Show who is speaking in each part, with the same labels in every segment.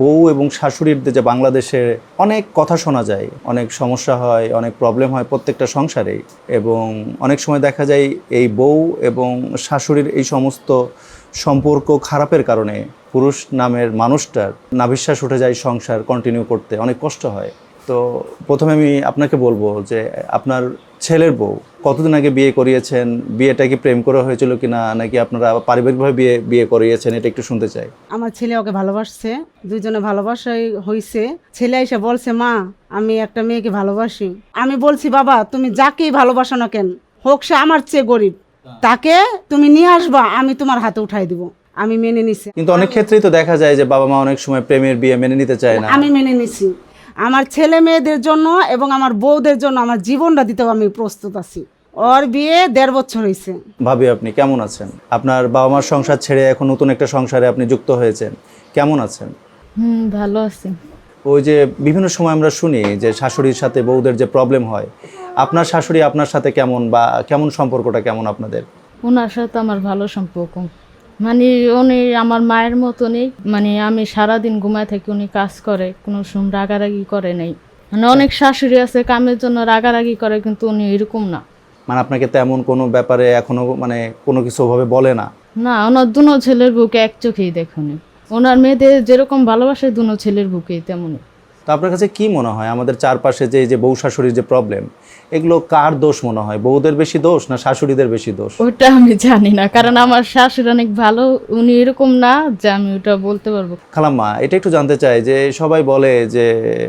Speaker 1: বউ এবং শাশুড়ির যে বাংলাদেশে অনেক কথা শোনা যায়, অনেক সমস্যা হয়, অনেক প্রবলেম হয় প্রত্যেকটা সংসারেই। এবং অনেক সময় দেখা যায় এই বউ এবং শাশুড়ির এই সমস্ত সম্পর্ক খারাপের কারণে পুরুষ নামের মানুষটার নাভিশ্বাস উঠে যায়, সংসার কন্টিনিউ করতে অনেক কষ্ট হয়। তো প্রথমে আমি আপনাকে বলবো যে আপনার ছেলের বউ কতদিন আগে বিয়ে করিয়েছেন, বিয়েটা কি প্রেম করে হয়েছিল কিনা, নাকি আপনারা পারিবারিকভাবে বিয়ে করিয়েছেন, এটা একটু শুনতে চাই।
Speaker 2: আমার ছেলে ওকে ভালোবাসছে, দুইজনে ভালোবাসাই হয়েছে। ছেলে এসে বলছে, মা আমি একটা মেয়েকে ভালোবাসি। আমি বলছি, বাবা তুমি যাকেই ভালোবাসো না কেন, হোক সে আমার চেয়ে গরিব, তাকে তুমি নিয়ে আসবা, আমি তোমার হাতে উঠাই দিব। আমি মেনে নিছি।
Speaker 1: কিন্তু অনেক ক্ষেত্রেই তো দেখা যায় যে বাবা মা অনেক সময় প্রেমের বিয়ে মেনে নিতে চায় না।
Speaker 2: আমি মেনে নিছি। আমার ছেলে মেয়েদের জন্য এবং আমার বউদের জন্য আমার জীবনটা দিতেও আমি প্রস্তুত আছি। ওর বিয়ে 1.5 বছর হয়েছে।
Speaker 1: ভাবি আপনি কেমন আছেন? আপনার বাবা মার সংসার ছেড়ে এখন নতুন একটা সংসারে আপনি যুক্ত হয়েছেন, কেমন আছেন?
Speaker 3: ভালো আছি।
Speaker 1: ওই যে বিভিন্ন সময় আমরা শুনি যে শাশুড়ির সাথে বউদের যে প্রবলেম হয়, আপনার শাশুড়ি আপনার সাথে কেমন, বা কেমন সম্পর্কটা কেমন আপনাদের?
Speaker 3: ওনার সাথে আমার ভালো সম্পর্ক, মানে উনি আমার মায়ের মতনই। মানে আমি সারাদিন ঘুমায় থাকি, উনি কাজ করে, কোনো সময় রাগারাগি করে নাই। মানে অনেক শাশুড়ি আছে কামের জন্য রাগারাগি করে, কিন্তু উনি এরকম না।
Speaker 1: মানে আপনাকে তেমন কোনো ব্যাপারে এখনো মানে কোনো কিছু ভাবে বলে না?
Speaker 3: না, ওনার দুনো ছেলের বুকে এক চোখেই দেখুনি। ওনার মেয়েদের যেরকম ভালোবাসে দুনো ছেলের বুকেই তেমনই।
Speaker 1: তো আপনার কাছে কি মনে হয় আমাদের চারপাশে যে বউ শাশুড়ির যে প্রবলেম, এগুলো কার দোষ মনে হয়? বউদের বেশি দোষ না শাশুড়িদের বেশি দোষ?
Speaker 3: ওটা আমি জানি না, কারণ আমার শাশুড়ি অনেক ভালো, উনি এরকম না যে আমি ওটা বলতে পারবো।
Speaker 1: খালাম্মা, এটা একটু জানতে চাই যে সবাই বলে যে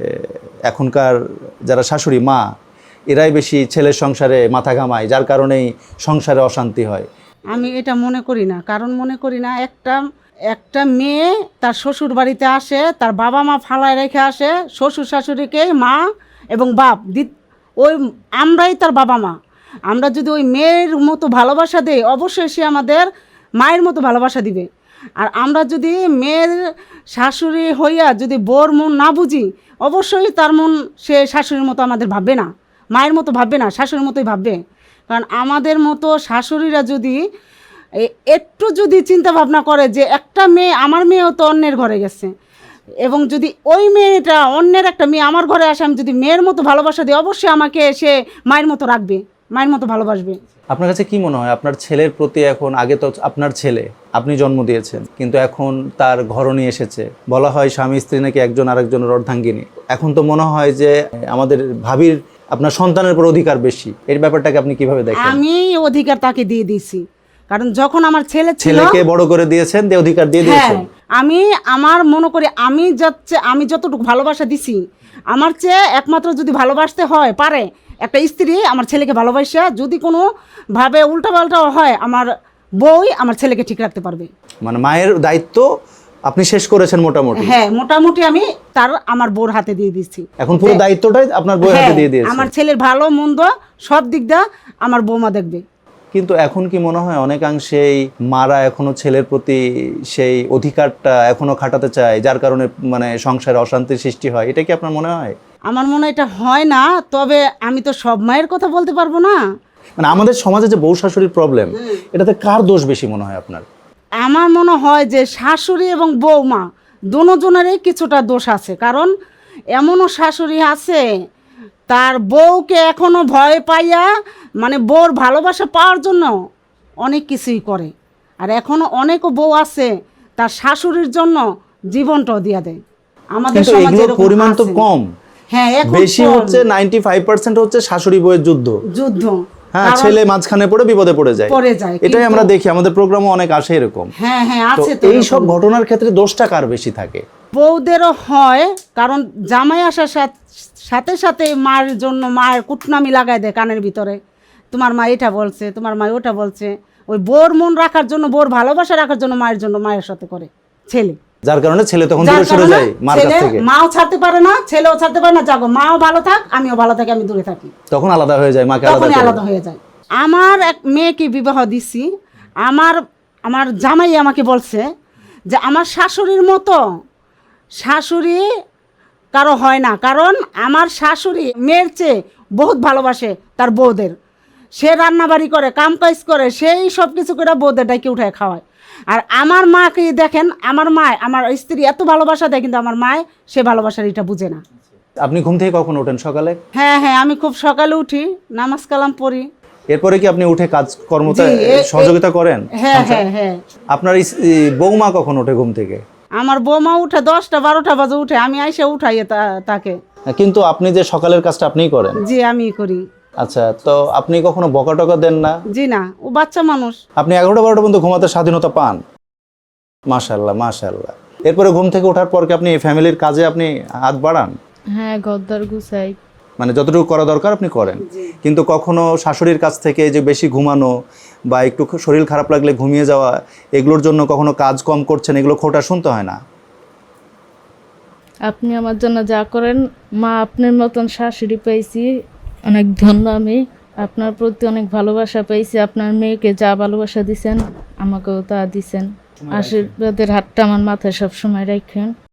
Speaker 1: এখনকার যারা শাশুড়ি মা, এরাই বেশি ছেলের সংসারে মাথা ঘামায়, যার কারণেই সংসারে অশান্তি হয়।
Speaker 2: আমি এটা মনে করি না, কারণ মনে করি না একটা মেয়ে তার শ্বশুর বাড়িতে আসে, তার বাবা মা ফালায় রেখে আসে, শ্বশুর শাশুড়িকে মা এবং বাপ ওই আমরাই তার বাবা মা। আমরা যদি ওই মেয়ের মতো ভালোবাসা দেই, অবশ্যই সে আমাদের মায়ের মতো ভালোবাসা দিবে। আর আমরা যদি মেয়ের শাশুড়ি হইয়া যদি বোর মন না বুঝি, অবশ্যই তার মন সে শাশুড়ির মতো আমাদের ভাববে না, মায়ের মতো ভাববে না, শাশুড়ির মতোই ভাববে। কারণ আমাদের মতো শাশুড়িরা যদি একটু যদি চিন্তা ভাবনা করে যে একটা মেয়ে, আমার মেয়েও তো অন্যের ঘরে গেছে, এবং যদি ওই মেয়েটা অন্যের একটা মেয়ে আমার ঘরে আসে, আমি যদি মেয়ের মতো ভালোবাসা দিই, অবশ্যই আমাকে সে মায়ের মতো রাখবে, মায়ের মতো ভালোবাসবে।
Speaker 1: আপনার কাছে কি মনে হয় আপনার ছেলের প্রতি এখন, আগে তো আপনার ছেলে আপনি জন্ম দিয়েছেন, কিন্তু এখন তার ঘরণী এসেছে, বলা হয় স্বামী স্ত্রী নাকি একজন আরেকজনের অর্ধাঙ্গিনী। এখন তো মনে হয় যে আমাদের ভাবির আপনার সন্তানের উপর অধিকার বেশি, এর ব্যাপারটাকে আপনি কিভাবে দেখেন?
Speaker 2: আমি অধিকার তাকে দিয়ে দিয়েছি, কারণ যখন আমার
Speaker 1: ছেলেকে বড় করে দিয়েছেন, দিয়ে অধিকার দিয়ে দিয়েছেন।
Speaker 2: আমি আমার মনে করি আমি যতটুকু ভালোবাসা দিছি, আমার চেয়ে একমাত্র যদি ভালোবাসতে হয় পারে একটা স্ত্রী আমার ছেলেকে ভালোবাসা, যদি কোনো ভাবে উল্টাপাল্টা হয়, আমার বউই আমার ছেলেকে ঠিক রাখতে পারবে।
Speaker 1: মানে মায়ের দায়িত্ব আপনি শেষ করেছেন মোটামুটি?
Speaker 2: হ্যাঁ, মোটামুটি আমি আমার বউর হাতে দিয়ে দিচ্ছি।
Speaker 1: এখন পুরো দায়িত্বটাই আপনার বউয়ের হাতে দিয়ে দিয়েছেন।
Speaker 2: আমার ছেলের ভালো মন্দ সব দিক দিয়ে আমার বৌমা দেখবে।
Speaker 1: কিন্তু এখন কি মনে হয় অনেকাংশেই মারা এখনো ছেলের প্রতি সেই অধিকারটা এখনো খাটাতে চায়, যার কারণে মানে সংসারে অশান্তির সৃষ্টি হয়? এটা কি আপনার মনে হয়?
Speaker 2: আমার মনে হয় এটা হয় না, তবে আমি তো সব মায়ের কথা বলতে পারবো না।
Speaker 1: মানে আমাদের সমাজে যে বউ শাশুড়ির প্রবলেম, এটাতে কার দোষ বেশি মনে হয় আপনার?
Speaker 2: আমার মনে হয় যে শাশুড়ি এবং বৌমা দুজনেরই কিছুটা দোষ আছে। কারণ এমনও শাশুড়ি আছে তার বউকে এখনো ভয় পাইয়া, মানে বউর ভালোবাসা পাওয়ার জন্য অনেক কিছুই করে। আর এখনো অনেকও বউ আছে তার শাশুড়ির জন্য জীবনটাও দিয়া দেয়। আমাদের সমাজে
Speaker 1: পরিমাণ তো কম।
Speaker 2: হ্যাঁ, এখন
Speaker 1: বেশি হচ্ছে 95% হচ্ছে শাশুড়ি বউয়ের যুদ্ধ। হ্যাঁ, ছেলে মাঝখানে পড়ে বিপদে পড়ে যায়। এটাই আমরা দেখি, আমাদের প্রোগ্রামে অনেক আসে এরকম।
Speaker 2: হ্যাঁ হ্যাঁ, আছে।
Speaker 1: তো এই সব ঘটনার ক্ষেত্রে দোষটা কার বেশি থাকে?
Speaker 2: বউদেরও হয়, কারণ জামাই আসার সাথে সাথে মায়ের জন্য মায়ের কুটনামি লাগাই দেয় কানের ভিতরে, তোমার মা এটা বলছে, তোমার মা ওটা বলছে। ওই বোর মন রাখার জন্য, বোর ভালোবাসা রাখার জন্য মায়ের জন্য মায়ের সাথে করে ছেলে,
Speaker 1: যার কারণে ছেলে তখন দূরে সরে যায় মার কাছ থেকে।
Speaker 2: মাও ছাড়তে পারে না, ছেলেও ছাড়তে পারে না। যাগো মাও ভালো থাক, আমিও ভালো থাকি, আমি দূরে থাকি,
Speaker 1: তখন আলাদা হয়ে যায়, মাকে
Speaker 2: আলাদা হয়ে যায়। আমার এক মেয়েকে বিবাহ দিছি, আমার জামাই আমাকে বলছে যে আমার শাশুড়ির মতো শাশুড়ি কারো হয় না, কারণ আমার শাশুড়ি মেয়ের চেয়ে বহুত ভালোবাসে তার বউদের। সে রান্নাবাড়ি করে, কাম কাজ করে, সেই সব কিছু করে বউদের ডাইকে উঠায় খাওয়ায়। আর আমার মাকে দেখেন, আমার মা, আমার স্ত্রী এত ভালোবাসা দেয়, কিন্তু আমার মায় সে ভালোবাসার এটা বুঝে না।
Speaker 1: আপনি ঘুম থেকে কখন ওঠেন সকালে?
Speaker 2: হ্যাঁ হ্যাঁ, আমি খুব সকালে উঠি, নামাজ কালাম পড়ি।
Speaker 1: এরপরে কি আপনি উঠে কাজ কর্মতে
Speaker 2: জি,
Speaker 1: সহযোগিতা করেন?
Speaker 2: হ্যাঁ হ্যাঁ হ্যাঁ।
Speaker 1: আপনার বৌমা কখন ওঠে ঘুম থেকে?
Speaker 2: আমার বৌমা উঠে 10টা 12টা বাজে উঠে, আমি আইসে উঠাই তাকে।
Speaker 1: কিন্তু আপনি যে সকালের কাজটা আপনিই করেন?
Speaker 2: জি, আমি করি।
Speaker 1: আচ্ছা, তো আপনি কখনো বকা টকা দেন না?
Speaker 2: জি না, ও বাচ্চা মানুষ।
Speaker 1: আপনি 11টা 12টা পর্যন্ত ঘুমাতে স্বাধীনতা পান? মাশাআল্লাহ মাশাআল্লাহ। এরপরে ঘুম থেকে ওঠার পর কি আপনি ফ্যামিলির কাজে আপনি হাত বাড়ান?
Speaker 3: হ্যাঁ, ঘরদোর গুছাই।
Speaker 1: মানে যতটুকু করা দরকার আপনি করেন, কিন্তু কখনো শাশুড়ির কাছ থেকে যে বেশি ঘুমানো বা একটু শরীর খারাপ লাগলে ঘুমিয়ে যাওয়া, এগুলোর জন্য কখনো কাজ কম করছেন, এগুলো খোঁটা শুনতে হয় না?
Speaker 3: আপনি আমার জন্য যা করেন, মা আপনার মতন শাশুড়ি পেয়েছি, অনেক ধন্য আমি। আপনার প্রতি অনেক ভালোবাসা পেয়েছি। আপনার মেয়েকে যা ভালোবাসা দিছেন, আমাকেও তা দিছেন। আশীর্বাদের হাতটা আমার মাথায় সবসময় রাখেন।